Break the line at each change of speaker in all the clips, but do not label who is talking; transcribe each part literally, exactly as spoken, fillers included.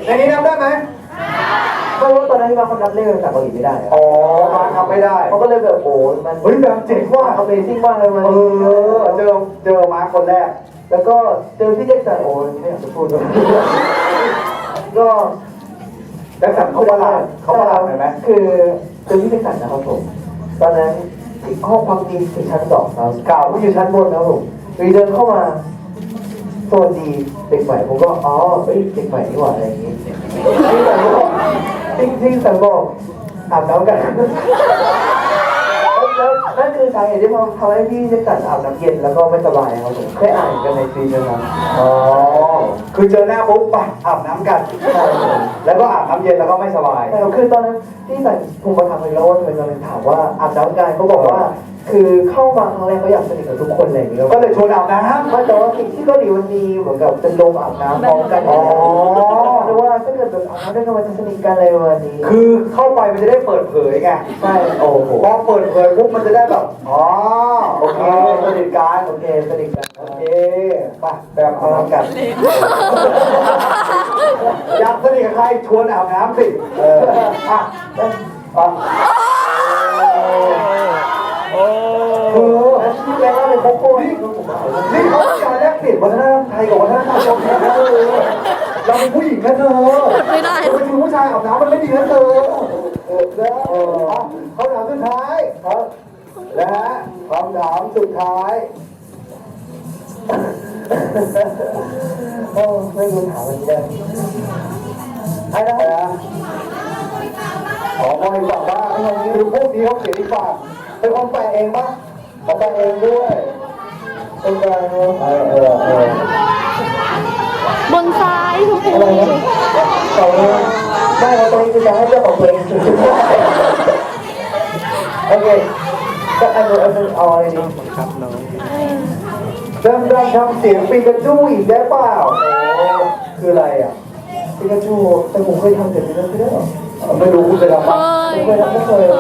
ในนี้นับได้ไหม
ไม่รู้ตอนนั้นที่มาเขานับเลขภาษาเกาหลีไม่ได้
อ๋อมาทำไม่ได้
เขาก็เลยแบบโอ้มัน
เฮ้ยแบบเจ๋งว่า
Amazing มากเลยมัน
เออเจอเจอมาคนแรก
แล้วก็เจอพี่แจ็คสันโอ้ไม่อยากจะพูดเลยก็
แจ็คสันเขาประหลาดเขาประหลาดเห็นไหม
คือเจอพี่แจ็คสันนะครับผมตอนนั้นห้องพักดีที่ชั้นสองครับเก่าผมอยู่ชั้นบนนะครับผมวีเดินเข้ามาสวัสดีเด็กใหม่ผมก็อ๋อเฮ้ยเด็กใหม่นี่หว่าอะไรอย่างงี้ที่สันบอกที่ที่สันบอกอาบน้ำกันแล้วนั่นคือสาเหตุที่ทำให้พี่แจ็คสันอาบน้ำเย็นแล้วก็ไม่สบายครับผมเคยอ่านกันในฟีดนะครับ
อ๋อคือเจอหน้าปุ๊บไปอาบน้ำกันแล้วก็อาบน้ำเย็นแล้วก็ไม่สบาย
แต่คือตอนนั้นที่สันผมมาถามเลยแล้วว่าทำไมตอนนั้นถามว่าอาบน้ำกันเขาบอกว่าคือเข้ามาครั้งแรกเขาอยากสนิทกับทุกคนอะไรอย่างเงี้ย
ก็เลยชวนอาบน้ำ
ไม่แต่ว่าสิ่งที่เกาหลีมันมีเหมือนกับเป็นโรงอาบน้ำพร้อมกันอ๋อหรือว่าถ้าเกิดแบบอาบน้ำด้วยกันมันจะสนิทกันอะไรประมาณนี้
คือเข้าไปมันจะได้เปิดเผยไง
ใช่โอ้โห
พอเปิดเผยปุ๊บมันจะได้แบบอ๋อโอเคสนิทกัน
โอเคสนิทกัน
โอเคไปแบบอาบน้ำกันอยากสนิทกับใครชวนอาบน้ำสิเอออ่ะอ่ะ
โอ้โหที่แรกก็เป็นโคโค่
นี่นี่เขาการแลกเปลี่ยนวัฒนธรรมไทยกับวัฒนธรรมเกาหลีนะเธอเราเป็นผู้หญิงนะเธอ
ไม่ได้
เราเป็นผู้ชายอาบน้ำมันไม่ดีนะเธอเออแล้วคำถามสุดท้ายครับและคำถามสุดท้าย
โอ้ไม่รู้ถามมันได้
ให้ได้นะขอมองอีกฝั่งบ้างคือพวกนี้เขาเขียนอีกฝั่งเป็นคนแปลเองปะเขาแปลเองด้วย
เป็นการเออเออเออบ
นซ้ายทุกค
อะไรนะเขาไม่เราตรงนี้คือจะให้เจ้าของเพลงโอเคก็อันนู้นอันนู้นเอาอะไรดีครับน้อง
ดำดำทำเสียงปีกระจู้อีกได้เปล่าโอ้คืออะไรอ่ะ
ปิกาจูแต่ผมเคยทำเสร็จแล้วไม่ได้หรอ
ไม่รู้คุณเคยทำปะ
ไม่เคยทำไม่เคย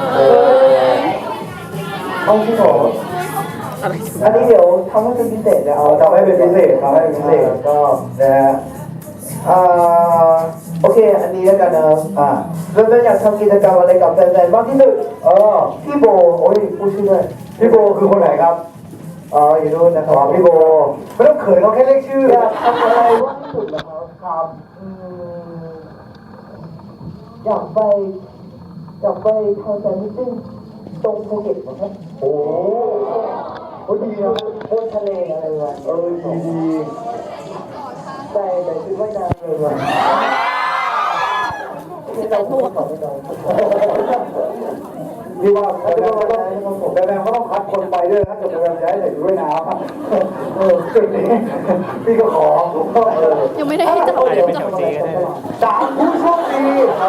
เอาที่หรออันนี้เดี๋ยวทำให้เป็นพิเศษนะเอา
ทำให้เป็นพิเศษทำให้เป็นพิเศษ
ก็
นะฮะ
อ่าโอเคอันนี้แล้วกันนะ
อ่า
เริ่มต้นอยากทำกิจกรรมอะไรกับแฟนๆบ้างที่สุด
เออ
พี่โบโอ้ยพูดชื่อด้วย
พี่โบคือคนไหนครับ
อ๋ออยู่นู่นนะครับ
พี่โบไม่ต้องเขินเขาแค่เรียกชื่อ
อยากทำอะไรบ้างที่สุดนะครับครับอยากไปอยากไปทำแฟนมิตติ้งตรงภูเก็ตนะครับ
โอ้โหดีนะ
บนทะเลอะไรวะ
เออดีดี
ใส่ใส่ชุดว่ายน้ำเลยวะไม่ต้องพูดต่อไม่ต้อง
ที่ว่าแบมก็ต้องแบมก็ต้องคัดคนไปด้วยนะเกิดแบมจะให้ใส่ชุดว่ายน้ำเออจุดนี้พี่ก็ขอ
ยังไม่ได้ให้จับ
สามผู้โชคดี